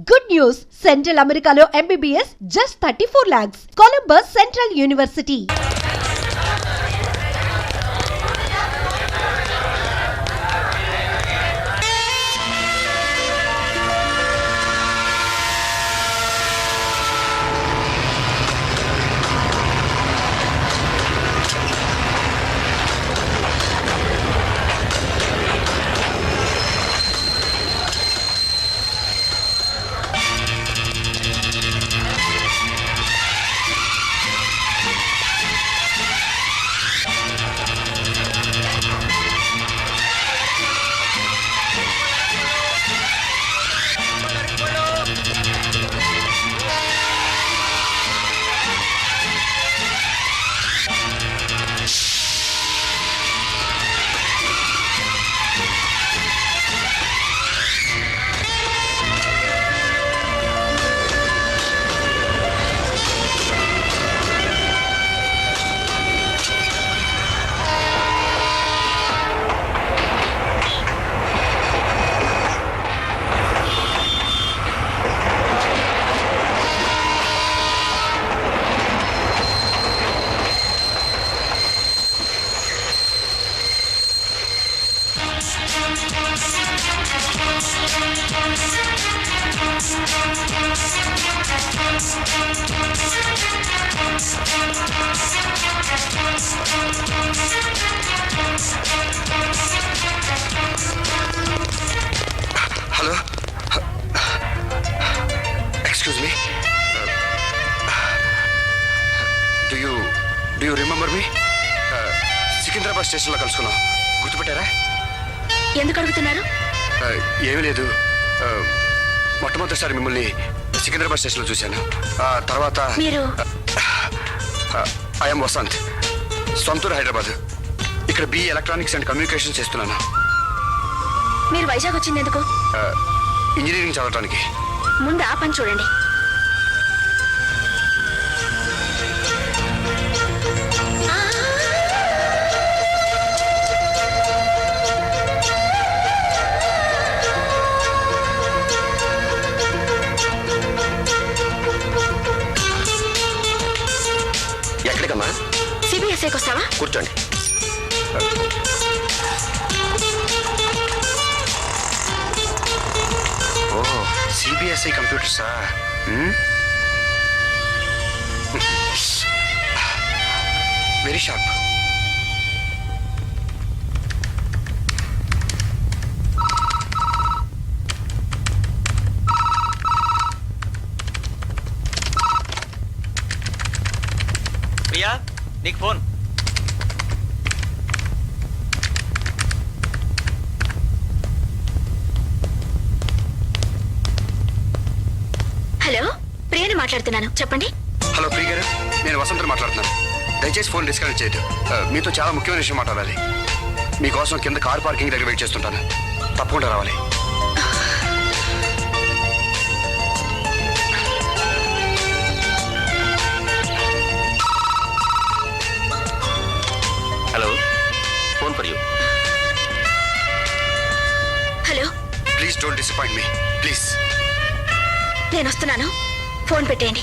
Good news! Central Americano MBBS just 34 lakhs. Columbus Central University. Hello? Excuse me? Do you remember me? Secunderabad స్టేషన్లో కలుసుకున్నాం. గుర్తుపెట్టారా? ఎందుకు అడుగుతున్నారు? ఏమీ లేదు. మొట్టమొదటిసారి మిమ్మల్ని సికింద్రాబాద్ స్టేషన్లో చూశాను. తర్వాత మీరు ఐఎమ్ వసంత్, సొంతూరు హైదరాబాద్. ఇక్కడ BE ఎలక్ట్రానిక్స్ అండ్ కమ్యూనికేషన్ చేస్తున్నాను. మీరు వైజాగ్ వచ్చింది ఎందుకు? ఇంజనీరింగ్ చదవడానికి. ముందు ఆ పని చూడండి. ఎక్కడికమ్మా? CBSIకి వస్తావా? కూర్చోండి. ఓహో, CBSI కంప్యూటర్సా? Very sharp. ప్రియా, నీకు ఫోన్. హలో, ప్రియని మాట్లాడుతున్నాను, చెప్పండి. హలో ప్రియ గారు, నేను వసంత్ మాట్లాడుతున్నాను. దయచేసి ఫోన్ డిస్కనెక్ట్ చేయదు. మీతో చాలా ముఖ్యమైన విషయం మాట్లాడాలి. మీకోసం కింద కార్ పార్కింగ్ దగ్గర వెయిట్ చేస్తుంటాను. తప్పకుండా రావాలి. Hello, phone for you. Hello, please don't disappoint me please. నేను వస్తున్నాను, ఫోన్ పెట్టేయండి.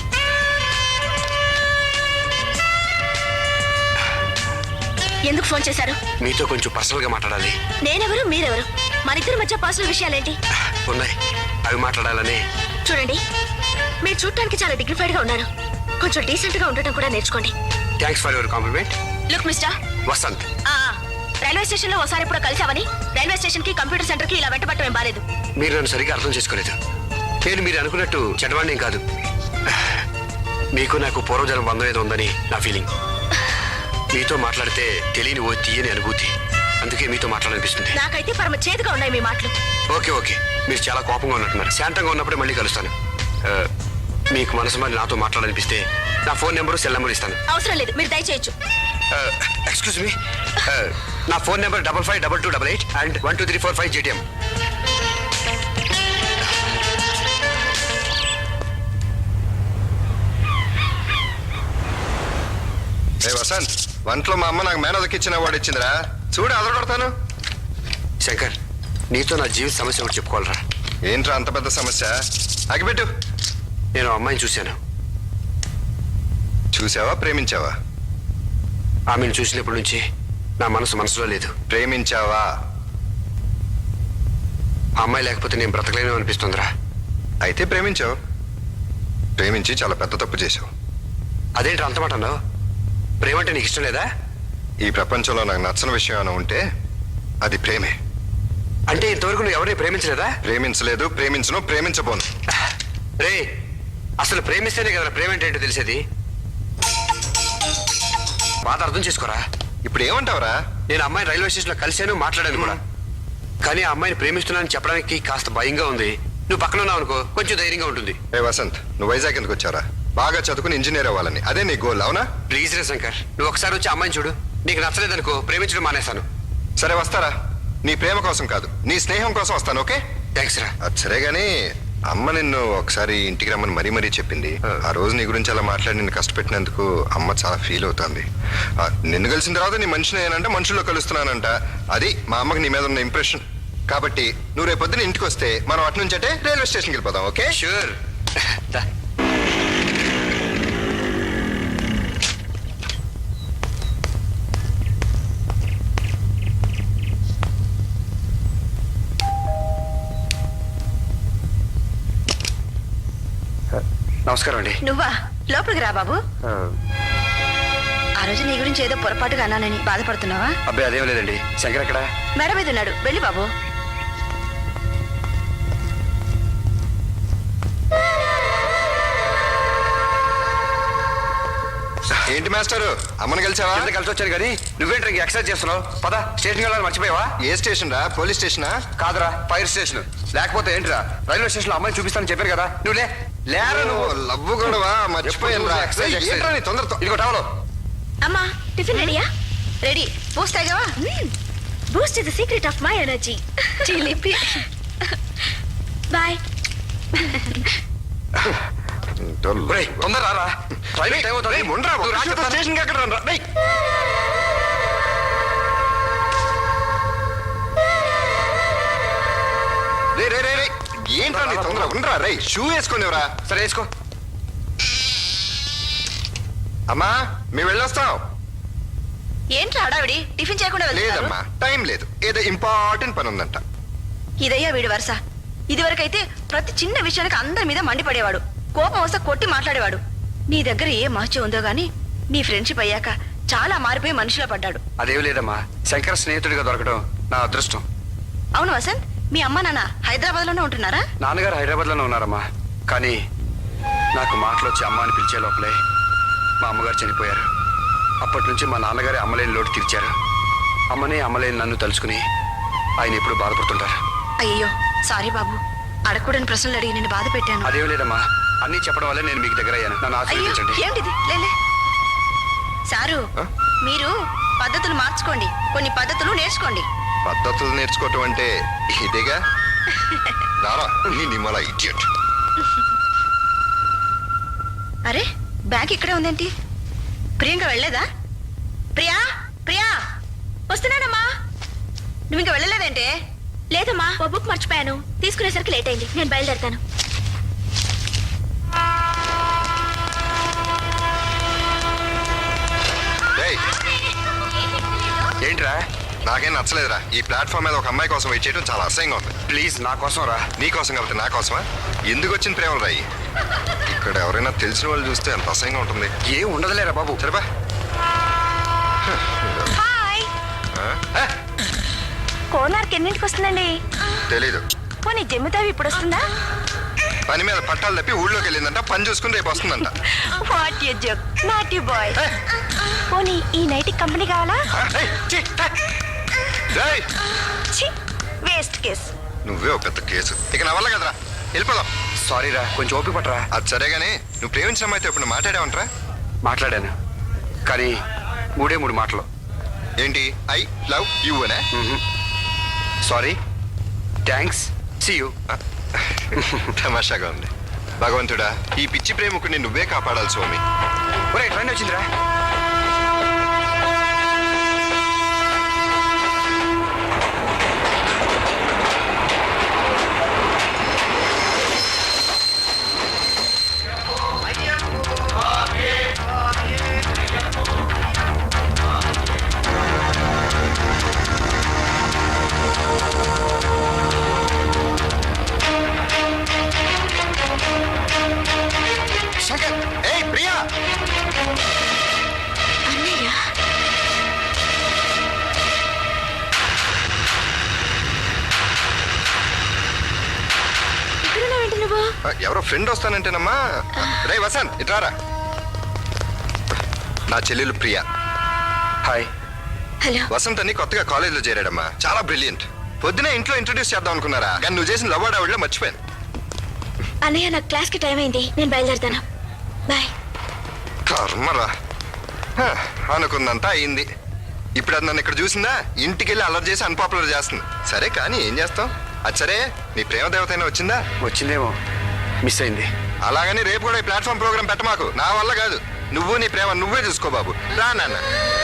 ఎందుకు ఫోన్ చేశారు? మీతో కొంచెం పర్సనల్ గా మాట్లాడాలి. నేనెవరు, మీరెవరు? మన ఇద్దరి మధ్య పర్సనల్ విషయాలేంటి? ఉన్నాయి, అవి మాట్లాడాలని. చూడండి, మీరు చూడటానికి చాలా డిగ్నిఫైడ్ గా ఉన్నారు. కొంచెం డీసెంట్ గా ఉండటం కూడా నేర్చుకోండి. Thanks for your compliment. Look mister Vasanth, railway station లో ఒకసారి ఎప్పుడో కలిసావని రైల్వే స్టేషన్ కి కంప్యూటర్ సెంటర్ కి ఇలా వెంటబట్టం ఏం బాలేదు. మీరు నన్ను సరిగ్గా అర్థం చేసుకోలేదు. నేను మీరు అనుకున్నట్టు చెడ్డవాణ్ణేం కాదు. మీకు నాకు పూర్వజన్మ బంధం ఏదో ఉందని నా ఫీలింగ్. మీతో మాట్లాడితే తెలియని ఓ తీయని అనుభూతి. అందుకే మీతో మాట్లాడాలనిపిస్తుంది. నాకైతే పరమ చేదుగా ఉన్నాయి మీ మాటలు. ఓకే, మీరు చాలా కోపంగా ఉన్నట్టున్నారు. శాంతంగా ఉన్నప్పుడే మళ్ళీ కలుస్తాను. మీకు మనసు మరి నాతో మాట్లాడాలనిపిస్తే నా ఫోన్ నెంబరు, సెల్ నెంబర్ ఇస్తాను. అవసరం లేదు, మీరు దయచేయచ్చు. ఎక్స్క్యూజ్ మీ, నా phone number 552288 and 12345 GTM. Vasanth, వంటలో మా అమ్మ నాకు మేనదకిచ్చిన వాడు ఇచ్చిందిరా, చూడు అదరగొడతాను. శంకర్, నీతో నా జీవిత సమస్య ఒకటి చెప్పుకోవాలరా. ఏంట్రా అంత పెద్ద సమస్య? అగిపెట్టు. నేను ఆ అమ్మాయిని చూశాను. చూసావా ప్రేమించావా? ఆమెను చూసినప్పటి నుంచి నా మనసులో లేదు. ప్రేమించావా? ఆ అమ్మాయి లేకపోతే నేను బ్రతకలేను అనిపిస్తుందిరా. అయితే ప్రేమించావు. ప్రేమించి చాలా పెద్ద తప్పు చేశావు. అదేంటి అంత మాట అన్నావు? ప్రేమంటే నీకు ఇష్టం లేదా? ఈ ప్రపంచంలో నాకు నచ్చని విషయం ఏమైనా ఉంటే అది ప్రేమే. అంటే ఇంతవరకు నువ్వు ఎవరిని ప్రేమించలేదా? ప్రేమించలేదు, ప్రేమించను, ప్రేమించబోను. రే, అసలు ప్రేమిస్తేనే కదా ప్రేమ అంటే ఏంటో తెలిసేది. బాధ అర్థం చేసుకోరా. ఇప్పుడు ఏమంటావురా? నేను అమ్మాయిని రైల్వే స్టేషన్లో కలిశాను, మాట్లాడాను కూడా. కానీ ఆ అమ్మాయిని ప్రేమిస్తున్నానని చెప్పడానికి కాస్త భయంగా ఉంది. నువ్వు పక్కన ఉన్నావు అనుకో, కొంచెం ధైర్యంగా ఉంటుంది. ఏ వసంత్, నువ్వు వైజాగ్ ఎందుకు వచ్చారా? బాగా చదువుకుని ఇంజనీర్ అవ్వాలని, అదే నీ గోల్, అవునా? ప్లీజ్ రే శంకర్, నువ్వు ఒకసారి వచ్చి అమ్మాయిని చూడు. నీకు నచ్చలేదనుకో, ప్రేమించడం మానేస్తాను. సరే వస్తారా? నీ ప్రేమ కోసం కాదు, నీ స్నేహం కోసం వస్తాను. ఓకే? థ్యాంక్స్ రా. అది సరే గానీ అమ్మ నిన్ను ఒకసారి ఇంటికి రమ్మని మరీ చెప్పింది. ఆ రోజు నీ గురించి అలా మాట్లాడి నిన్ను కష్టపెట్టినందుకు అమ్మ చాలా ఫీల్ అవుతుంది. నిన్ను కలిసిన తర్వాత నీ మనిషిని ఏనంటే మనుషుల్లో కలుస్తున్నానంట. అది మా అమ్మకి నీ మీద ఉన్న ఇంప్రెషన్. కాబట్టి నువ్వు రేపు పొద్దున ఇంటికి వస్తే మనం అటు నుంచి అంటే రైల్వే స్టేషన్కి వెళ్ళిపోదాం. ఓకే? షూర్. నమస్కారం అండి. నువ్వా? లోపలికి రా బాబు. ఆ రోజు నీ గురించి ఏదో పొరపాటుగా అన్నానని బాధపడుతున్నావా? అబ్బాయి అదేం లేదండి. శంకర్ ఎక్కడ? మేడ మీద ఉన్నాడు, వెళ్ళి బాబు. ఏంటి మాస్టారు, అమ్మని కలిసావా? కింద కలిసి వచ్చాను కానీ నువ్వేంటి ఇంక ఎక్సర్సైజ్ చేస్తున్నావు? పద, స్టేషన్కి వెళ్ళాలని మర్చిపోయావా? ఏ స్టేషన్ రా? పోలీస్ స్టేషనా? కాదురా, ఫైర్ స్టేషన్. లేకపోతే ఏంటిరా, రైల్వే స్టేషన్ లో అమ్మాయిని చూపిస్తానని చెప్పారు కదా. నువ్వు లేరా నువ్వు. లవ్వు గొడవ మర్చిపోయాను రా. ఏంట్రా నీ తొందరతో? ఇదిగో టవలో. అమ్మా, టిఫిన్ రెడీయా? రెడీ. బూస్ట్ తాగావా? Boost is the secret of my energy. చిలిపి. బాయ్. ఒరేయ్, తొందర రారా. రైల్వే టైం అవుతుంది. నువ్వు రా చెప్తాను. స్టేషన్కి ఎక్కడ రా? రే ఏంట్రా నీ తొందర? ఉండరా రే, షూ వేసుకునేవరా? సరే వేసుకో. అమ్మా మేము వెళ్ళొస్తాం. ఏంట్రా హడావిడి? టిఫిన్ చేయకుండా వెళ్తున్నారు? లేదమ్మా, టైం లేదు, ఏదో ఇంపార్టెంట్ పని ఉందంట. ఇదయ్యా వీడి వరుస. ఇదివరకైతే ప్రతి చిన్న విషయానికి అందరి మీద మండిపడేవాడు, కోపం వస్తే కొట్టి మాట్లాడేవాడు. నీ దగ్గర ఏ మహత్యం ఉందో గానీ నీ ఫ్రెండ్షిప్ అయ్యాక చాలా మారిపోయి మనిషిలో పడ్డాడు. అదేం లేదమ్మా, శంకర్ స్నేహితుడిగా దొరకడం నా అదృష్టం. అవును వసంత్, మీ అమ్మ నాన్న హైదరాబాద్ లోనే ఉంటున్నారా? నాన్నగారు హైదరాబాద్ లోనే ఉన్నారమ్మా. కానీ నాకు మాటలు వచ్చి అమ్మ అని పిలిచే లోపలే మా అమ్మగారు చనిపోయారు. అప్పటి నుంచి మా నాన్నగారే అమ్మలేని లోటు తీర్చారు. అమ్మనే అమ్మలేని నన్ను తలుచుకుని ఆయన ఎప్పుడు బాధపడుతుంటారు. అయ్యో సారీ బాబు, అడగకూడని ప్రశ్నలు అడిగి నేను బాధ పెట్టాను. అదేం లేదమ్మా, అన్నీ చెప్పడం వల్లే నేను మీకు దగ్గర అయ్యాను. నన్ను అయ్యో ఆశీర్వదించండి. ఏమిటిది? లేలే సారు, మీరు పద్ధతులు మార్చుకోండి, కొన్ని పద్ధతులు నేర్చుకోండి. పద్ధతులు నేర్చుకోవటం అంటే ఇదేగా. రారా నీ నిమ్మల ఇడియట్. అరే బ్యాగ్ ఇక్కడే ఉందేంటి? ప్రియాంక వెళ్ళలేదా? ప్రియా, ప్రియా వస్తున్నానమ్మా. నువ్వు ఇంకా వెళ్ళలేదంటే? లేదమ్మా, ఓ బుక్ మర్చిపోయాను, తీసుకునేసరికి లేట్ అయింది, నేను బయలుదేరుతాను. ఏయ్, ఏంట్రా? నాకేం నచ్చలేదురా. ఈ ప్లాట్ఫామ్ మీద ఒక అమ్మాయి కోసం వెయిట్ చేయడం చాలా అసహ్యంగా ఉంది. ప్లీజ్ నా కోసం రా. నీ కోసం కాబట్టి నా కోసమా? ఎందుకు వచ్చిన ప్రేమలు రాయి? ఇక్కడ ఎవరైనా తెలిసిన వాళ్ళు చూస్తే ఎంత అసహ్యంగా ఉంటుంది. ఏం ఉండదులేరా బాబు. సరేపా. హాయ్. కోనార్క్ ఎన్నింటికి వస్తుందండి? తెలీదు. పోనీ జమ్మితావి ఇప్పుడు వస్తుందా? పని మీద పట్టాలు తప్పి ఊళ్ళోకి వెళ్ళిందంట, పని చూసుకుని రేపు వస్తుందంట. What you joke, not you boy. పోనీ ఈ నైట్ కంపెనీ కావాలా? ఛీ, వేస్ట్ కేస్. నువ్వే ఒక పెద్ద కేసు. ఇక నా వల్ల కదరా, వెళ్ళిపోదాం. సారీ రా, కొంచెం ఓపిక పట్టరా. అది సరే గానీ నువ్వు ప్రేమించిన అమ్మాయితో ఇప్పుడు మాట్లాడావంటరా? మాట్లాడాను, కానీ 3 మాటలు. ఏంటి? ఐ లవ్ యూ అనే? Sorry, thanks, see you. తమాషాగా ఉంది. భగవంతుడా, ఈ పిచ్చి ప్రేమకుని నువ్వే కాపాడాలి స్వామి. ఒరే ట్రైన్ వచ్చిందిరా. ఎవరో ఫ్రెండ్ వస్తానంటేనమ్మా. రే వసంత్ ఇట్రారా. నా చెల్లెలు ప్రియా. హాయ్. హలో. వసంత్ అని కొత్తగా కాలేజీలో చేరాడమ్మా. చాలా బ్రిలియంట్. పొద్దునే ఇంట్లో ఇంట్రొడ్యూస్ చేద్దాం అనుకున్నారా, కానీ నువ్వు చేసిన లవ్ ఆవిడలో మర్చిపోయాను. అన్నయ్య నాకు క్లాస్కి టైం అయింది, నేను బయలుదేరుతాను. బాయ్. కర్మరా. అనుకుందంతా అయింది. ఇప్పుడు అది నన్ను ఇక్కడ చూసిందా, ఇంటికి వెళ్ళి అలర్ట్ చేసి అన్పాపులర్ చేస్తుంది. సరే కానీ ఏం చేస్తాం. అది సరే, నీ ప్రేమ దేవత అయినా వచ్చిందా? వచ్చిందేమో, మిస్ అయింది. అలాగని రేపు కూడా ఈ ప్లాట్ఫామ్ ప్రోగ్రామ్ పెట్టమాకు. నా వల్ల కాదు. నువ్వు నీ ప్రేమ నువ్వే చూసుకో బాబు. రా నాన్న.